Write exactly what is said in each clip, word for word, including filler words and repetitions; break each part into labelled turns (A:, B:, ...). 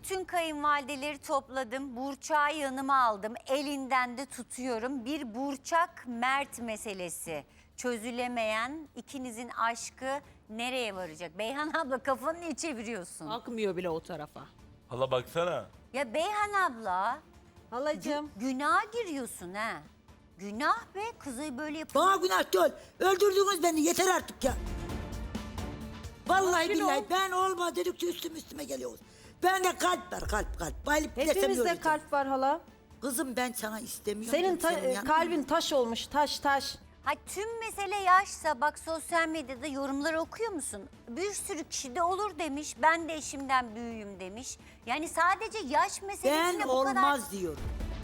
A: Bütün kayınvalideleri topladım. Burçak'ı yanıma aldım. Elinden de tutuyorum. Bir Burçak Mert meselesi. Çözülemeyen ikinizin aşkı nereye varacak? Beyhan abla kafanı niye çeviriyorsun?
B: Akmıyor bile o tarafa.
C: Hala baksana.
A: Ya Beyhan abla
D: Halacığım.
A: günaha giriyorsun ha. Günah be, kızı böyle yapıyor.
E: Bana günah değil. Öldürdünüz beni, yeter artık ya. Vallahi
B: Sakin
E: billahi
B: ol.
E: ben olma dedikçe üstüm üstüme geliyoruz. Bende kalp var, kalp kalp. Bayılıp desem
D: Hepimizde
E: öleceğim.
D: kalp var hala.
E: Kızım ben sana istemiyorum.
D: Senin ta-
E: senin yanına-
D: kalbin taş olmuş, taş taş.
A: Ha, tüm mesele yaşsa bak sosyal medyada yorumları okuyor musun? Bir sürü kişi de olur demiş. Ben de eşimden büyüğüm demiş. Yani sadece yaş meselesine
E: Ben
A: bu kadar...
E: olmaz diyorum.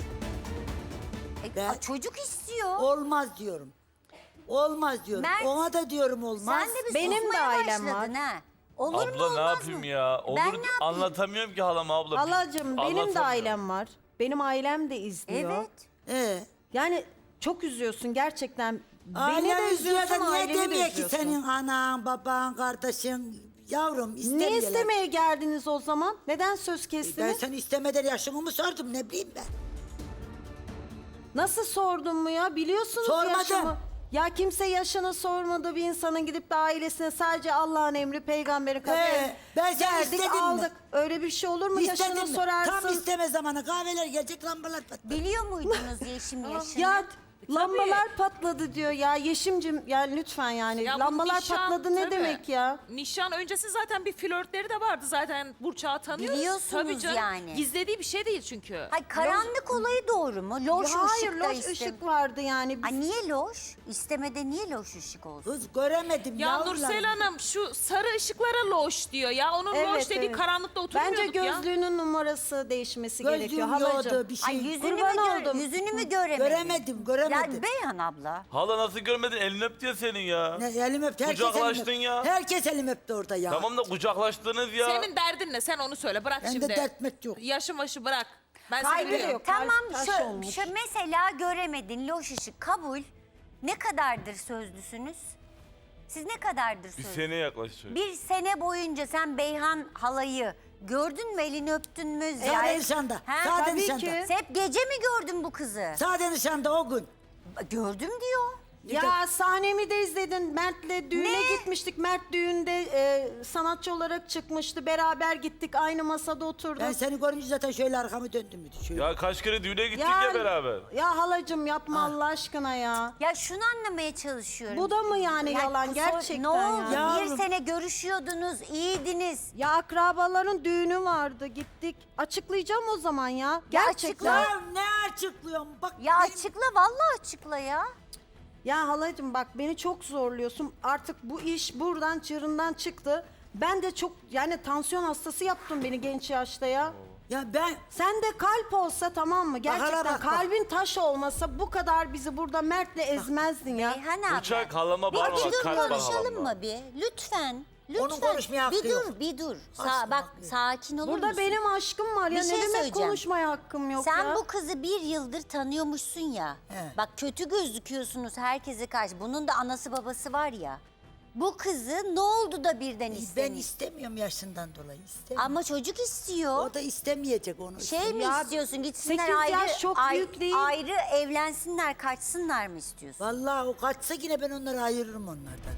A: E,
E: ben-
A: a, çocuk istiyor.
E: Olmaz diyorum. Olmaz diyorum.
A: Mert,
E: Ona da diyorum olmaz.
A: Sen de bir
D: Benim de
A: susmaya
D: ailem
A: başladın
D: var.
A: ha. Olur mu
C: Abla ne
A: olmaz
C: yapayım
A: mı?
C: ya? Olur
A: Ben ne yapayım?
C: anlatamıyorum ki halama abla.
D: Halacığım benim de
C: Anlatamıyorum.
D: ailem var. Benim ailem de izliyor.
A: Evet.
E: Ee,
D: Yani çok üzüyorsun gerçekten. Beni
E: ailen
D: de
E: üzüyor da
D: üzüyorsun,
E: niye
D: aileni de
E: demiyor ki
D: üzüyorsun.
E: senin anan, baban, kardeşin, yavrum
D: Ne
E: istemiyorlar.
D: istemeye geldiniz o zaman? Neden söz
E: Ben
D: kestiniz?
E: seni istemeden yaşımı mı sordum ne bileyim ben.
D: Nasıl sordun mu ya? Biliyorsunuz
E: Sormadım.
D: yaşımı. Ya kimse yaşını sormadı bir insanın gidip de ailesine sadece Allah'ın emri, peygamberin kaderi.
E: Ee, ben seni
D: verdik,
E: istedim mi?
D: aldık. Öyle bir şey olur mu?
E: İstedin
D: Yaşını
E: mi?
D: sorarsın.
E: Tam isteme zamanı kahveler gelecek lambalar patlar.
A: Biliyor muydunuz Yeşim yaşını?
D: Ya lambalar patladı diyor ya. Yeşimcim yani lütfen yani.
B: Ya bu
D: lambalar
B: nişan,
D: patladı ne
B: tabii.
D: demek ya?
B: Nişan öncesi zaten bir flörtleri de vardı zaten. Burçak'ı tanıyoruz.
A: Biliyorsunuz
B: Tabii canım.
A: yani.
B: Gizlediği bir şey değil çünkü.
A: Hayır, karanlık olayı doğru mu? Loş
D: Ya hayır
A: ışık da
D: loş
A: istem-
D: ışık vardı yani. Biz-
A: Ha, niye loş? İstemede niye loş ışık olsun?
E: Kız göremedim
B: Ya
E: yavrularım.
B: Nursel Hanım şu sarı ışıklara loş diyor ya. Onun
D: Evet,
B: loş dediği
D: evet.
B: karanlıkta oturmuyorduk
D: Bence
B: ya.
D: gözlüğünün numarası değişmesi gerekiyor
E: Gözlüğüm
D: halacığım.
E: yoktu bir şey.
A: Ay yüzünü mü,
D: Kurban
A: gör-
D: oldum.
A: yüzünü mü göremedin?
E: Göremedim, göremedim.
A: Ya Beyhan abla.
C: Hala nasıl görmedin? Elini öp diyor senin ya.
E: Ne, elim öptü. Herkes elim
C: Kucaklaştın
E: öptü.
C: ya.
E: Herkes elim öptü orada ya.
C: Tamam da kucaklaştınız ya.
B: Senin derdin ne? Sen onu söyle. Bırak
E: Bende
B: şimdi.
E: dertmek yok.
B: Yaşın başı bırak. Ben
A: Hayır,
B: seni biliyorum.
D: yok.
A: tamam
D: Kalp taş
A: şu,
D: olmuş.
A: şu mesela göremedin loş ışık kabul. Ne kadardır sözlüsünüz? Siz ne kadardır
C: Bir
A: sözlü?
C: seneye yaklaşıyor.
A: Bir sene boyunca sen Beyhan halayı gördün mü, elini öptün mü?
E: Sade
A: ziyaret-
E: nişanda.
A: Ha?
E: Sade
D: tabii
E: nişanda.
D: ki.
A: Sen hep gece mi gördün bu kızı?
E: Sade nişanda o gün.
A: Gördüm diyor.
D: Ya sahnemi de izledin. Mert'le düğüne
A: Ne?
D: gitmiştik. Mert düğünde e, sanatçı olarak çıkmıştı. Beraber gittik. Aynı masada oturduk.
E: Ben seni görünce zaten şöyle arkamı döndüm. bir de Şöyle.
C: Ya kaç kere düğüne gittik ya, beraber.
D: Ya halacığım yapma Allah aşkına ya.
A: Ya şunu anlamaya çalışıyorum.
D: Bu da mı yani
A: Ya
D: yalan
A: so-
D: gerçekten
A: Ne oldu?
D: ya?
E: Yavrum.
A: Bir sene görüşüyordunuz, iyiydiniz.
D: Ya akrabaların düğünü vardı gittik. Açıklayacağım o zaman ya.
A: Ya
D: Gerçekten.
A: açıkla.
E: Ya ne açıklıyorum? Bak
A: Ya
E: benim-
A: açıkla, vallahi açıkla ya.
D: Ya halacığım bak beni çok zorluyorsun. Artık bu iş buradan çığırından çıktı. Ben de çok yani tansiyon hastası yaptın beni genç yaşta ya.
E: Ya ben
D: Sen de kalp olsa tamam mı? Gerçekten
E: hala bak, bak.
D: kalbin taş olmasa bu kadar bizi burada Mert'le ezmezdin ya.
A: Beyhan abi.
C: Uçak halama
A: Bir,
C: bağırma
A: bir
C: bak.
A: dur
C: Kalp var
A: konuşalım
C: halamla.
A: mı bir? Lütfen. Lütfen.
E: Onun konuşmaya hakkı
A: bir dur,
E: yok.
A: bir dur. Sa
E: Aşkım
A: bak
E: hakkı yok.
A: sakin olur
D: Burada
A: musun?
D: benim aşkım var ya
A: Bir
D: ne
A: şey
D: demek
A: söyleyeceğim.
D: konuşmaya hakkım yok
A: Sen
D: ya.
A: bu kızı bir yıldır tanıyormuşsun ya.
E: He.
A: Bak kötü gözüküyorsunuz herkese karşı. Bunun da anası babası var ya. Bu kızı ne oldu da birden
E: ben
A: istemiyor?
E: istemiyorum yaşından dolayı. İstemiyorum.
A: Ama çocuk istiyor.
E: O da istemeyecek onu.
A: Şey mi
D: Ya,
A: istiyorsun? Gitsinler
D: sekiz
A: ayrı,
D: yaş çok
A: ay-
D: büyük değil.
A: ayrı evlensinler, kaçsınlar mı istiyorsun?
E: Vallahi o kaçsa yine ben onları ayırırım onlardan.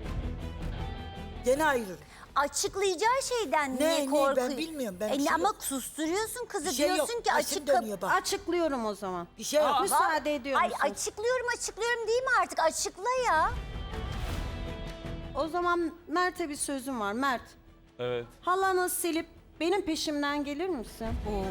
E: Gene ayırırım.
A: Açıklayacağı şeyden
E: Ne,
A: niye
E: ne, ben
A: korkuyorsun?
E: bilmiyorum, ben
A: E,
E: bir şey
A: ama
E: yok.
A: susturuyorsun kızı.
E: Bir şey yok.
A: Diyorsun ki
E: Başım
A: açık kap-
E: dönüyor bak.
D: Açıklıyorum o zaman.
E: Bir şey yok.
B: Aa,
D: Müsaade ediyor
A: Ay
D: musun?
A: açıklıyorum açıklıyorum değil mi artık? Açıkla ya.
D: O zaman Mert'e bir sözüm var. Mert,
C: Evet.
D: halanı silip benim peşimden gelir misin?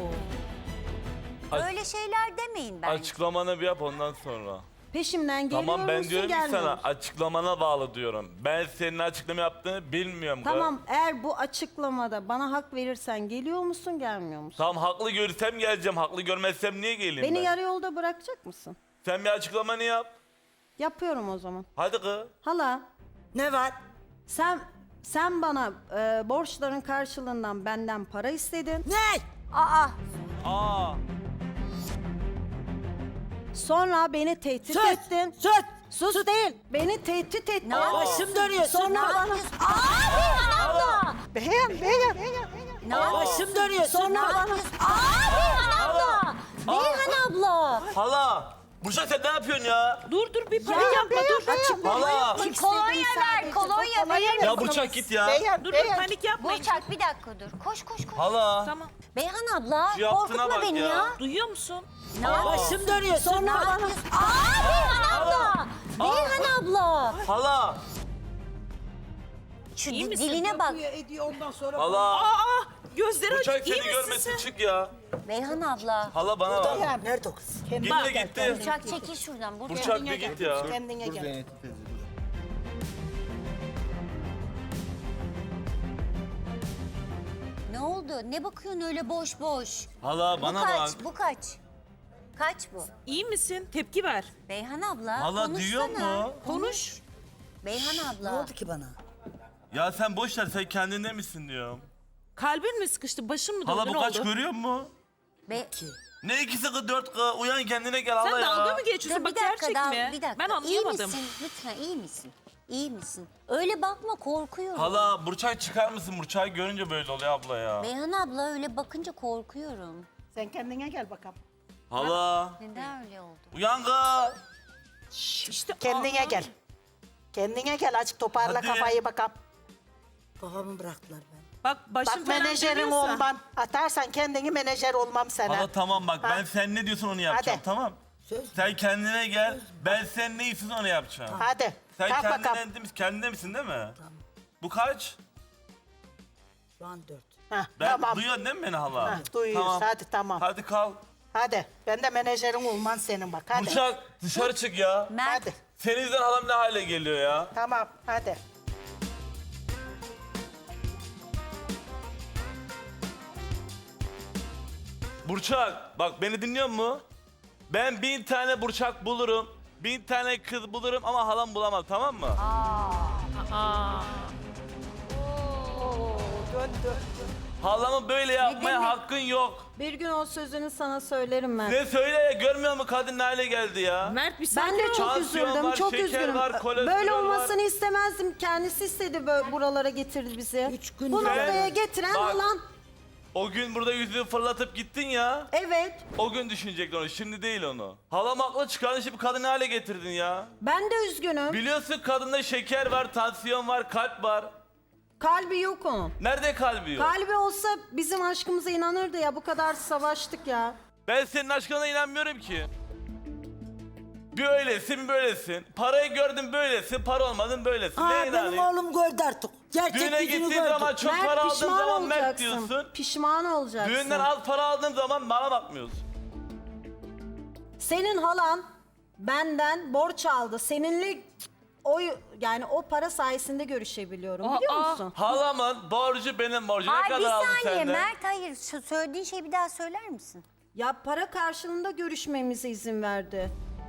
C: Aç-
A: Öyle şeyler demeyin bence.
C: Açıklamanı bir yap ondan sonra.
D: Peşimden geliyor
C: Tamam ben
D: musun,
C: diyorum ki
D: gelmiyor
C: sana
D: musun?
C: açıklamana bağlı diyorum. Ben senin açıklama yaptığını bilmiyorum. kız.
D: Tamam eğer bu açıklamada bana hak verirsen geliyor musun gelmiyor musun?
C: Tamam haklı görsem geleceğim. Haklı görmezsem niye geleyim
D: Beni
C: ben?
D: yarı yolda bırakacak mısın?
C: Sen bir açıklamanı yap.
D: Yapıyorum o zaman.
C: Hadi kız.
D: Hala
E: Ne var?
D: sen sen bana e, borçların karşılığından benden para istedin.
E: Ne?
A: Aa,
C: Aa.
D: Sonra beni tehdit
E: Sus!
D: ettin.
E: Sus!
D: Sus değil. Beni tehdit ettin.
A: Ne yapıyorsun?
E: Başım dönüyor.
D: Sonra
E: Sus!
D: bana
A: Aa Beyhan abla.
D: beğen beğen.
A: Ne Ne yapıyorsun?
E: Başım dönüyor.
D: Sonra
E: Sonra
D: bana...
A: Aa Beyhan abla. Beyhan abla.
C: Hala. Burçak sen ne yapıyorsun ya?
B: Dur dur bir panik yapma dur.
D: Açık
C: Hala.
A: Bir kolonya ver, kolonya verir
C: Ya
A: misin?
C: Burçak git ya.
F: Beyhan,
B: Dur dur
F: Beyhan.
B: panik yapmayın.
A: Burçak bir dakika dur. Koş koş koş.
C: Hala.
B: Tamam.
A: Beyhan abla
C: Şu yaptığına
A: korkutma
C: bak
A: beni
C: ya.
A: ya.
B: Duyuyor musun?
A: Ne yapıyorsun?
E: başım dönüyor.
A: Ne
E: Sonra
A: yapıyorsun? Aa Beyhan abla. Beyhan abla.
C: Hala.
B: İyi
A: Şu di-
B: misin?
A: diline bak.
E: ediyor ondan sonra.
C: Hala.
B: Aa gözleri
C: Burçak
B: aç. İyi
C: seni
B: misin
C: görmesin
B: sen?
C: çık ya.
A: Beyhan abla.
C: Hala bana bak.
F: Beyhan.
E: Nerede o kız?
C: Gitti gitti.
A: Burçak çekil şuradan. Burçak.
C: Burçak bir git ya.
F: Kendine gel.
A: Ne oldu? Ne bakıyorsun öyle boş boş?
C: Hala
A: Bu
C: bana
A: kaç?
C: bak.
A: Bu kaç? Kaç bu?
B: İyi misin? Tepki ver.
A: Beyhan abla
C: Hala
A: konuşsana.
C: duyuyor mu?
B: Konuş.
A: Beyhan
E: Ne
A: abla.
E: oldu ki bana?
C: Ya sen boş ver sen kendinde misin diyorum.
B: Kalbin mi sıkıştı? Başın mı döndü?
C: Hala
B: Ne
C: bu kaç
B: oldu?
C: görüyor musun?
A: Be
C: Ne ikisi kız dört kız uyan kendine gel
B: Sen
C: hala ya.
B: dalga mı
A: Dur
B: geçiyorsun?
A: bir
B: Bak
A: dakika
B: gerçek
A: daha,
B: mi?
A: bir dakika.
B: Ben anlayamadım.
A: İyi misin? Lütfen iyi misin? İyi misin? Öyle bakma korkuyorum.
C: Hala Burçak çıkar mısın? Burçak'ı görünce böyle oluyor abla ya.
A: Beyhan abla öyle bakınca korkuyorum.
F: Sen kendine gel bakalım.
C: Hala.
A: Neden öyle oldu?
C: Uyan kız.
B: İşte
F: Kendine
B: aa,
F: gel. Kendine gel azıcık toparla
C: Hadi.
F: kafayı bakalım.
E: Kafamı bıraktılar ben.
B: Bak başım
F: Bak
B: falan
F: menajerin
B: dönüyorsa-
F: olmam. Atarsan kendini menajer olmam sana.
C: Hala tamam bak
F: Ha.
C: ben sen ne diyorsun onu yapacağım
F: Hadi.
C: tamam.
E: Söz.
C: Sen kendine gel. Ben sen ne istiyorsun onu yapacağım.
F: Hadi.
C: Sen
F: Kalk bakalım.
C: kendine, kendine misin değil mi? Bu kaç?
E: Şu an dört.
F: Heh,
C: Ben
F: tamam.
C: duyuyorsun değil mi beni hala?
F: Heh, duyuyoruz. Hadi tamam.
C: Hadi kal.
F: Hadi. Ben de menajerin olman senin bak. Hadi.
C: Burçak dışarı çık ya.
A: Mert
F: Hadi.
C: Senin yüzünden halam ne hale geliyor ya.
F: Tamam. Hadi.
C: Burçak bak beni dinliyor mu? Ben bin tane Burçak bulurum. Bin tane kız bulurum ama halam bulamam tamam mı?
B: Aa.
C: Halamı böyle yapmaya
A: demek?
C: hakkın yok.
D: Bir gün o sözünü sana söylerim ben.
C: Ne söyle ya görmüyor musun kadın ne hale geldi ya?
B: Mert bir
D: Ben
B: sakin
D: de
B: ol.
D: çok
C: Tansiyon
D: üzüldüm,
C: var,
D: çok
C: şeker
D: üzgünüm.
C: var, kolesterol
D: Böyle
C: var.
D: olmasını istemezdim. Kendisi istedi böyle buralara getirdi bizi.
E: Üç gün
D: Bu
E: sonra-
D: noktaya getiren
C: Bak.
D: olan.
C: O gün burada yüzüğü fırlatıp gittin ya.
D: Evet.
C: O gün düşünecektin onu şimdi değil onu. Halam aklı çıkardın şimdi kadın ne hale getirdin ya?
D: Ben de üzgünüm.
C: Biliyorsun kadında şeker var, tansiyon var, kalp var.
D: Kalbi yok onun.
C: Nerede kalbi yok?
D: Kalbi olsa bizim aşkımıza inanırdı ya. Bu kadar savaştık ya.
C: Ben senin aşkına inanmıyorum ki. Bir öylesin böylesin. Parayı gördün böylesin, para olmadın böylesin.
E: Aa,
C: ne
E: benim
C: inanayım?
E: oğlum gördü artık. Gerçek
C: Düğüne
E: yüzünü
C: gittiğin
E: gördü.
C: zaman çok
D: Mert
C: para aldığın
D: pişman
C: zaman Mert
D: olacaksın.
C: diyorsun.
D: Pişman olacaksın.
C: Düğünden az para aldığın zaman bana bakmıyorsun.
D: Senin halan benden borç aldı. Seninle o yani o para sayesinde görüşebiliyorum.
B: Aa,
D: Biliyor
B: aa.
D: musun?
C: Halamın borcu benim borcum. Ne
A: Ay bir
C: kadar aldın
A: saniye
C: senden?
A: Mert hayır şu söylediğin şeyi bir daha söyler misin?
D: Ya para karşılığında görüşmemize izin verdi.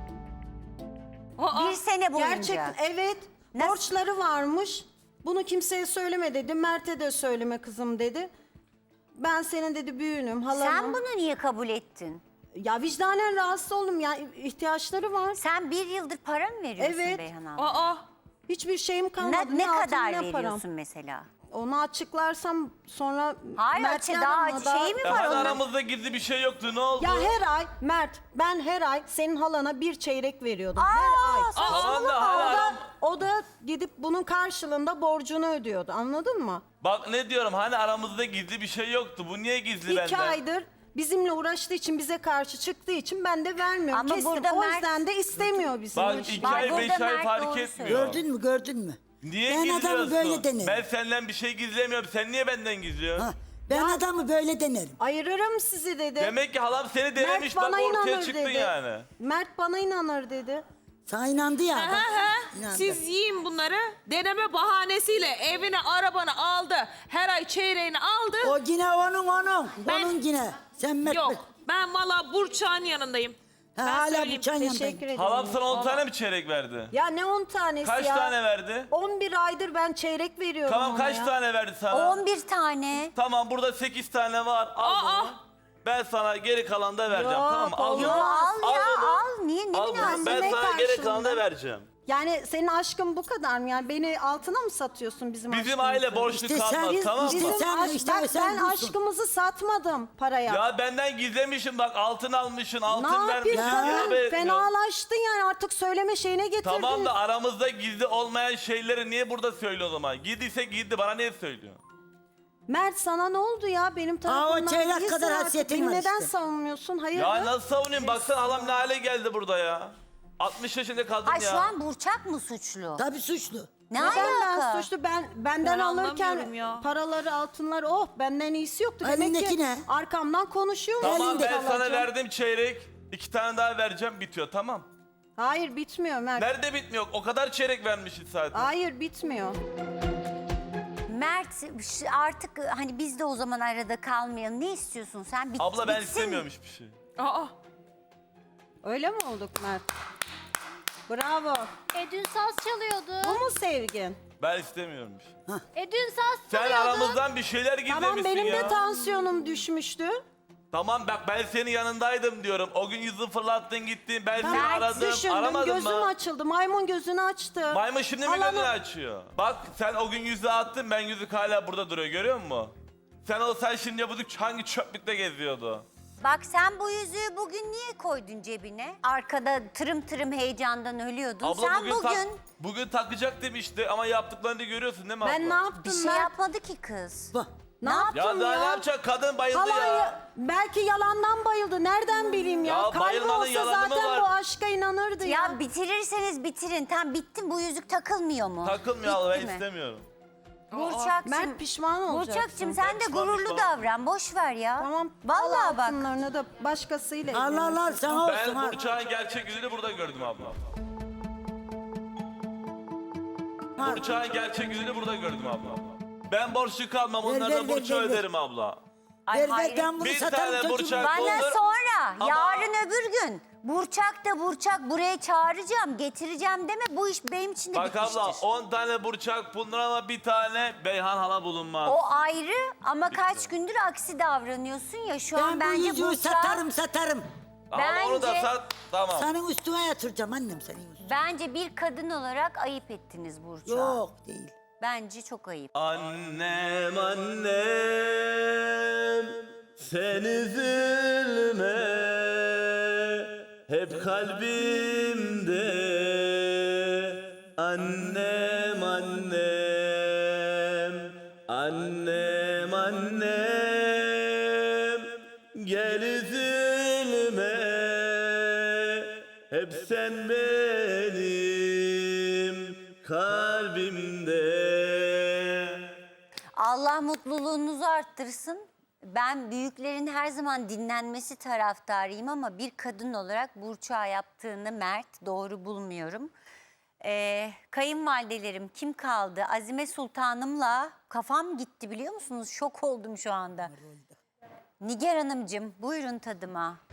B: Aa,
A: Bir sene boyunca.
D: Gerçekten evet.
A: Nasıl?
D: Borçları varmış. Bunu kimseye söyleme dedi. Mert'e de söyleme kızım dedi. Ben senin dedi büyüğünüm, halanım.
A: Sen bunu niye kabul ettin?
D: Ya vicdanen rahatsız oldum ya. ihtiyaçları var.
A: Sen bir yıldır para mı veriyorsun
D: Evet.
A: Beyhan abla?
B: aa.
D: Hiçbir şeyim kalmadı.
A: Ne, ne
D: altın,
A: kadar
D: ne param.
A: veriyorsun mesela?
D: Onu açıklarsam sonra
A: Hayır
D: Mert'le
A: açı daha
D: aramda da-
A: şey mi
C: Ya
A: var
C: hani
A: onlar?
C: aramızda gizli bir şey yoktu ne oldu?
D: Ya her ay Mert ben her ay senin halana bir çeyrek veriyordum. her ay.
C: Tamam da hala
D: O da,
C: aram...
D: o da gidip bunun karşılığında borcunu ödüyordu. Anladın mı?
C: Bak ne diyorum hani aramızda gizli bir şey yoktu. Bu niye gizli
D: İki
C: benden?
D: aydır bizimle uğraştığı için bize karşı çıktığı için ben de vermiyorum.
A: Ama
D: Kestim.
A: burada
D: O
A: Mert-
D: yüzden de istemiyor bizim.
C: Bak
D: işi.
C: iki
A: Bak,
C: ay
A: burada
C: beş ay
A: Mert
C: fark
A: doğru
C: etmiyor.
E: Gördün mü gördün mü?
C: Niye
E: Ben
C: gizliyorsun?
E: adamı böyle denerim.
C: Ben senden bir şey gizlemiyorum. Sen niye benden gizliyorsun?
E: Ha, ben adamı böyle denerim.
D: Ayırırım sizi dedi.
C: Demek ki halam seni denemiş
D: Mert
C: bak
D: bana
C: ortaya
D: inanır
C: çıktın
D: dedi.
C: yani.
D: Mert bana inanır dedi.
E: Sana inandı ya.
B: Ha,
E: bak,
B: ha.
E: inandı.
B: Siz yiyin bunları. Deneme bahanesiyle evine arabanı aldı. Her ay çeyreğini aldı.
E: O yine onun onun.
B: Ben-
E: Onun yine. Sen Mert
B: Yok.
E: Bey.
B: Ben valla Burçak'ın yanındayım.
E: Ha,
B: Ben
E: hala
B: söyleyeyim.
E: bıçağın
D: Teşekkür
E: yanındayım.
D: ederim.
C: Halam sana on tane mi çeyrek verdi?
D: Ya ne on tanesi
C: Kaç
D: ya?
C: tane verdi?
D: on bir aydır ben çeyrek veriyorum
C: Tamam
D: ona
C: kaç
D: ya.
C: tane verdi sana?
A: on bir tane.
C: Tamam burada sekiz tane var. Al
B: Aa,
C: bunu. Ben sana geri kalanı da vereceğim
D: Yok,
C: tamam mı? Al
D: olmaz.
C: bunu.
A: Yo al ya
C: bunu.
A: al. Niye ne
C: Al bunu.
A: münasebet?
C: Ben
D: ne
C: sana geri
D: karşılığında?
C: kalanı da vereceğim.
D: Yani senin aşkın bu kadar mı? Yani beni altına mı satıyorsun bizim
C: Bizim
D: aşkımızı?
C: aile borçlu
E: İşte sen-
C: kalmaz
E: biz-
C: tamam mı?
E: işte
D: Bizim
E: sen-
D: aşk-
E: işte
D: bak
E: sen
D: ben
E: busun.
D: aşkımızı satmadım paraya.
C: Ya benden gizlemişsin bak altın almışsın altın
D: ne yapayım
C: vermişsin.
D: kadın?
C: haber etmiyorsun.
D: Fenalaştın yani artık söyleme şeyine getirdin.
C: Tamam da aramızda gizli olmayan şeyleri niye burada söyle o zaman? Girdiyse girdi bana niye söylüyor?
D: Mert sana ne oldu ya benim tarafımdan?
E: çeyrek
D: değilsin
E: kadar
D: artık.
E: hasiyetin
D: Beni
E: var
D: neden
E: işte.
D: savunmuyorsun? Hayır.
C: Ya nasıl savunayım? Baksana halam ne hale geldi burada ya. altmış yaşında kadın
A: Ay
C: ya.
A: şu an Burçak mı suçlu?
E: Tabii suçlu.
A: Ne
D: Neden
A: alaka?
D: ben suçlu? Ben benden
B: Ben
D: alırken
B: anlamıyorum ya.
D: paraları, altınları oh benden iyisi yoktu. Demek
E: Elindeki
D: ki
E: ne?
D: arkamdan konuşuyor mu?
C: Tamam
E: elinde
C: ben sana
D: kalacağım.
C: verdim çeyrek. İki tane daha vereceğim bitiyor tamam.
D: Hayır bitmiyor Mert.
C: Nerede bitmiyor? O kadar çeyrek vermişsin zaten.
D: Hayır bitmiyor.
A: Mert ş- artık hani biz de o zaman arada kalmayalım. Ne istiyorsun sen? Bit-
C: Abla ben
A: bitsin.
C: istemiyorum hiçbir şey.
B: Aa.
D: Öyle mi olduk Mert? Bravo.
G: E dün saz çalıyordu.
D: Bu mu sevgin?
C: Ben istemiyorum bir şey.
G: E dün saz
C: Sen
G: çalıyordu.
C: aramızdan bir şeyler gizlemişsin
D: Tamam benim
C: ya.
D: de tansiyonum düşmüştü.
C: Tamam bak ben senin yanındaydım diyorum. O gün yüzü fırlattın gittin. Ben seni
D: Ben
C: aradım.
D: düşündüm
C: Aramadın
D: gözüm
C: mı?
D: açıldı. Maymun gözünü açtı.
C: Maymun şimdi mi
D: Alanı-
C: gözünü açıyor? Bak sen o gün yüzü attın ben yüzük hala burada duruyor görüyor musun? Sen olsan şimdi bu hangi çöplükte geziyordu?
A: Bak sen bu yüzüğü bugün niye koydun cebine? Arkada tırım tırım heyecandan ölüyordun.
C: Abla
A: sen
C: bugün,
A: bugün,
C: tak- bugün takacak demişti ama yaptıklarını da görüyorsun değil mi abla?
D: Ben ne yaptım
A: bir şey
D: Mert?
A: yapmadı ki kız.
E: Bak.
D: Ne
C: Ya
D: yaptım
C: daha
D: ya?
C: ne yapacak? Kadın bayıldı
D: Halan
C: ya.
D: ya- belki yalandan bayıldı. Nereden bileyim ya?
C: Ya
D: Kalbi
C: bayılmanın
D: olsa
C: yalanı mı
D: zaten
C: var?
D: bu aşka inanırdı ya.
A: Ya bitirirseniz bitirin. Tam bittin bu yüzük takılmıyor mu?
C: Takılmıyor abla ben
A: Bitti mi?
C: istemiyorum.
A: Burçak'cığım.
D: Mert pişman olacaksın.
A: Burçak'cığım sen de
C: Pişman,
A: gururlu
C: pişman.
A: davran. Boş ver ya.
D: Tamam.
A: Vallahi
D: al
A: bak.
D: altınlarını da başkasıyla
E: Allah Allah
D: evlenirsin.
E: sana olsun
C: Ben
E: ha.
C: Burçak'ın gerçek yüzünü burada gördüm abla. Burçak'ın gerçek yüzünü burada gördüm abla. Ben borçlu kalmam
E: Ver, ver,
C: onlardan
E: ver,
C: borcu
E: ver, ver.
C: öderim abla.
A: Ay
E: Ver ver
A: hayret.
E: ben bunu
C: Bir
E: satarım
C: tane
E: çocuğum.
C: Burçak-
A: Bana
C: Olur.
A: sonra,
C: Ama-
A: yarın öbür gün Burçak da Burçak buraya çağıracağım, getireceğim deme. Bu iş benim için de
C: Bak
A: bitmiştir.
C: abla on tane Burçak bulunur ama bir tane Beyhan hala bulunmaz.
A: O ayrı ama kaç gündür aksi davranıyorsun ya. Şu an
E: Ben bu
A: bence
E: yüzüğü
A: Burçak,
E: satarım satarım.
C: Ama onu da
A: bence-
C: sat tamam.
E: Senin üstüne yatıracağım annem senin üstüne.
A: bence bir kadın olarak ayıp ettiniz Burçak.
E: Yok değil.
A: Bence çok ayıp.
C: Annem annem sen üzülme hep kalbimde annem annem annem annem gel üzülme hep sen benim kalbimde.
A: Allah mutluluğunuzu arttırsın. Ben büyüklerin her zaman dinlenmesi taraftarıyım ama bir kadın olarak Burçak'a yaptığını Mert doğru bulmuyorum. Ee, kayınvalidelerim kim kaldı? Azime Sultanım'la kafam gitti biliyor musunuz? Şok oldum şu anda. Nigar Hanımcığım buyurun tadıma.